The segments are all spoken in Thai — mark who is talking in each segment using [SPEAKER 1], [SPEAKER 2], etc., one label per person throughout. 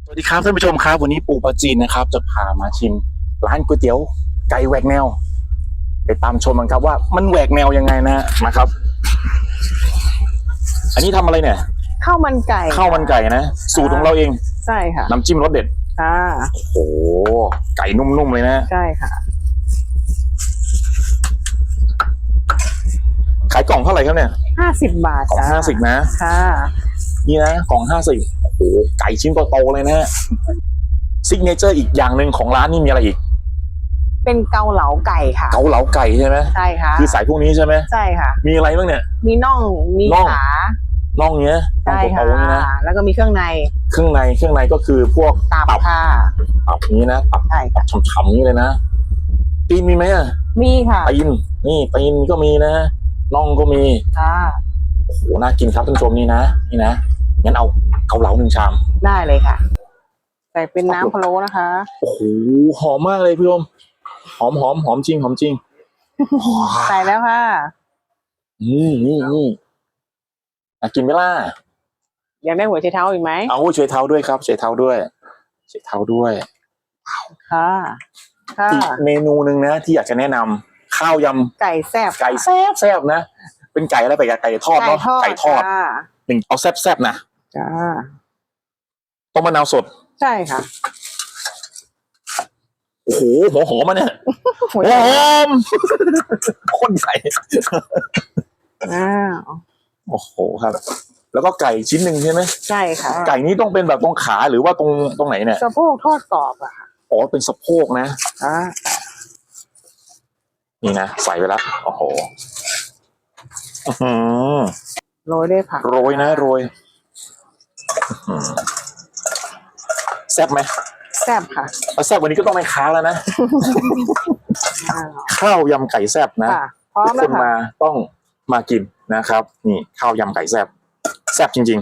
[SPEAKER 1] สวัสดีครับท่านผู้ชมครับวันนี้ปู่ปาจีนนะครับจะพามาชิมร้านก๋วยเตี๋ยวไก่แหวกแนวไปตามชมกันครับว่ามันแหวกแนวยังไงนะครับ อันนี้ทำอะไรเนี่ย
[SPEAKER 2] ข้าวมันไก่
[SPEAKER 1] ข้าวมันไก่นะสูตรของเราเอง
[SPEAKER 2] ใช่ค่ะ
[SPEAKER 1] น้ำจิ้มรสเด็ด
[SPEAKER 2] ค่ะ
[SPEAKER 1] โอ้โหไก่นุ่มๆเลยนะ
[SPEAKER 2] ใช่ค่ะ
[SPEAKER 1] ขายกล่องเท่าไหร่ครับเนี่ย
[SPEAKER 2] 50 บาท
[SPEAKER 1] กล่อง50นะ
[SPEAKER 2] ค่ะ
[SPEAKER 1] นี่นะกล่อง50โอ้โหไก่ชิ้นโตๆเลยนะซิกเนเจอร์อีกอย่างหนึ่งของร้านนี่มีอะไรอีก
[SPEAKER 2] เป็นเกาเหลาไก่ค่ะ
[SPEAKER 1] เกาเหลาไก่ใช่ไหม
[SPEAKER 2] ใช่ค่ะ
[SPEAKER 1] คือใส่พวกนี้ใช่ไหม
[SPEAKER 2] ใช่ค่ะ
[SPEAKER 1] มีอะไรบ้างเนี่ย
[SPEAKER 2] มีน่องมีขา
[SPEAKER 1] น่องเนี้ยน่อง
[SPEAKER 2] ใช่ค่ะ
[SPEAKER 1] โตๆนี่นะ
[SPEAKER 2] แล้วก็มีเครื่องใน
[SPEAKER 1] ก็คือพวก
[SPEAKER 2] ตับค่ะ
[SPEAKER 1] ตับนี้นะตับ
[SPEAKER 2] ใช่ค่ะ
[SPEAKER 1] ฉ่ำๆนี้เลยนะตีนมีไหมอ่ะ
[SPEAKER 2] มีค่ะ
[SPEAKER 1] ตีนนี่ตีนก็มีนะน่องก็มี
[SPEAKER 2] ค่ะ
[SPEAKER 1] โอ้โหน่ากินครับท่านผู้ชมนี่นะงั้นเอาเกาเหลา1 ชาม
[SPEAKER 2] ได้เลยค่ะใส่เป็นน้ำพะโล้นะคะ
[SPEAKER 1] โอ้โหหอมมากเลยพี่ชมหอมจริง
[SPEAKER 2] ใส่แล้วค่ะ
[SPEAKER 1] นี่กินไหมล่ะ
[SPEAKER 2] อยากได้หัวไชเท้าอีกไหม
[SPEAKER 1] เอาช่วยเท้าด้วยครับช่วยเท้าด้วย
[SPEAKER 2] ค่ะ
[SPEAKER 1] อีกเมนูหนึ่งนะที่อยากจะแนะนำข้าวย
[SPEAKER 2] ำไก่แ
[SPEAKER 1] ซ่บนะเป็นไก่อะไรไปไก่ทอดเนาะไก่ทอดเอาแซ่บนะ
[SPEAKER 2] จ้า
[SPEAKER 1] ต้มมะนาวสด
[SPEAKER 2] ใช่ค่ะ
[SPEAKER 1] โอ้โหหัวหอมมาเนี่ยหัวหอมข้นใหญ่โอ้โหครับแล้วก็ไก่ชิ้นหนึ่งใช่ไหม
[SPEAKER 2] ใช่ค่ะ
[SPEAKER 1] ไก่นี้ต้องเป็นแบบตรงขาหรือว่าตรงไหนเนี่ย
[SPEAKER 2] สะโพกทอดกรอบอะค่ะ
[SPEAKER 1] อ๋อเป็นสะโพกนะนี่นะใส่ไปแล้วโอ้โห
[SPEAKER 2] โรยด้วยผัก
[SPEAKER 1] โรยแซ่บไหม
[SPEAKER 2] แซ่บค่ะ
[SPEAKER 1] แซ่บวันนี้ก็ต้องไปค้าแล้วนะข้าวยำไก่แซ่บนะทุกคนมาต้องมากินนะครับนี่ข้าวยำไก่แซ่บจริง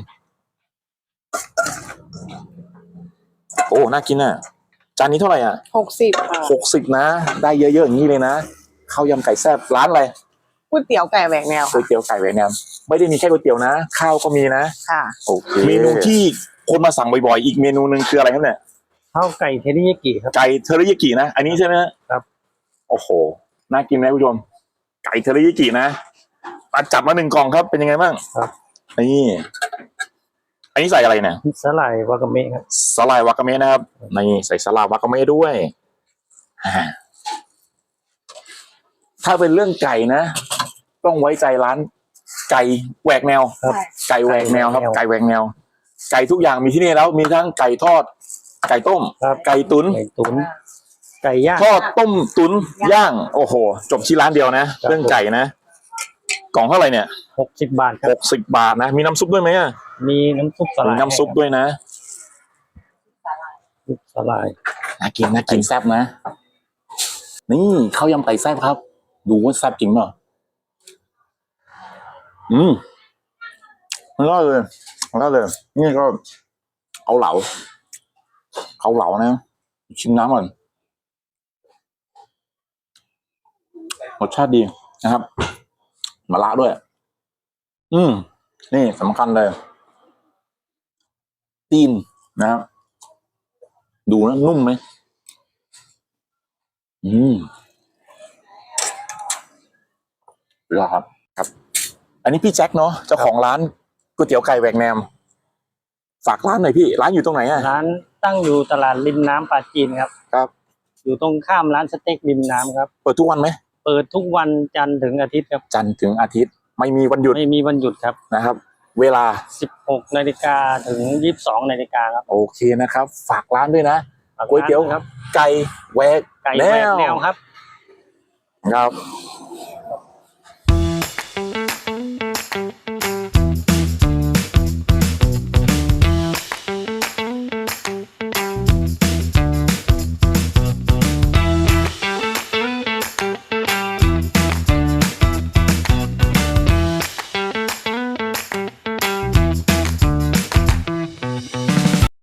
[SPEAKER 1] ๆโอ้น่ากินอ่ะจานนี้เท่าไหร่อ่ะ
[SPEAKER 2] 60ค่ะ
[SPEAKER 1] 60นะได้เยอะๆอย่างนี้เลยนะข้าวยำไก่แซ่บร้านอะไร
[SPEAKER 2] ก๋วยเตี๋ยวไก่แหวกแนว
[SPEAKER 1] ก๋วยเตี๋ยวไก่แหวกแนวไม่ได้มีแค่ก๋วยเตี๋ยวนะข้าวก็มีนะ
[SPEAKER 2] ค่ะ
[SPEAKER 1] โอเคเมนูที่คนมาสั่งบ่อยๆอีกเมนูหนึ่งคืออะไรครับเนี่ย
[SPEAKER 3] ข้าวไก่เทริยากิครับ
[SPEAKER 1] ไก่เทริยากินะอันนี้ใช่ไหม
[SPEAKER 3] ครับ
[SPEAKER 1] โอ้โหน่ากินไหมผู้ชมไก่เทริยากินะจับมา1 กล่องครับเป็นยังไงบ้าง
[SPEAKER 3] ครับ
[SPEAKER 1] นี่อันนี้ใส่อะไรเนี่ย
[SPEAKER 3] สาหร่ายวากาเมะครับ
[SPEAKER 1] สาหร่ายวากาเมะนะครับนี่ใส่สาหร่ายวากาเมะด้วยถ้าเป็นเรื่องไก่นะต้องไว้ใจร้านไก่แหวกแนวไก่แหวกแนวครับไก่แหวกแนวไก่ทุกอย่างมีที่นี่แล้วมีทั้งไก่ทอดไก่ต้มไก่ตุ๋น
[SPEAKER 3] ไก่ย่าง
[SPEAKER 1] ทอดต้มตุ๋นย่างโอ้โหจบที่ร้านเดียวนะเรื่องไก่นะกล่องเท่าไหร่เนี่ย
[SPEAKER 3] 60 บาทครับ
[SPEAKER 1] 60 บาทนะมีน้ำซุปด้วยไหม
[SPEAKER 3] มีน้ำซุปสลาย
[SPEAKER 1] มีน้ำซุปด้วยนะ
[SPEAKER 3] สลาย
[SPEAKER 1] น่ากินแซ่บนะนี่ข้าวยำไก่แซ่บครับดูว่าแซ่บจริงเปล่าแล้วเลยนี่ก็เอาเหลานะชิมน้ำก่อนรสชาติดีนะครับมะระด้วยนี่สำคัญเลยตีนนะครับดูนะนุ่มไหมครับอันนี้พี่แจ็คเนาะเจ้าของร้านก๋วยเตี๋ยวไก่แหวกแนวฝากร้านหน่อยพี่ร้านอยู่ตรงไหนอ่ะ
[SPEAKER 3] ร้านตั้งอยู่ตลาดริมน้ำปลาจีนครับอยู่ตรงข้ามร้านสเต็กริมน้ำครับ
[SPEAKER 1] เปิดทุกวันไหม
[SPEAKER 3] เปิดทุกวันจันทร์ถึงอาทิตย์ครับ
[SPEAKER 1] จันทร์ถึงอาทิตย์ไม่มีวันหยุด
[SPEAKER 3] ครับ
[SPEAKER 1] นะครับเวลา
[SPEAKER 3] 16 นาฬิกาถึง 22 นาฬิกาครับ
[SPEAKER 1] โอเคนะครับฝากร้านด้วยนะก๋วยเตี๋ยวไก่แหวกแนว
[SPEAKER 3] ครับ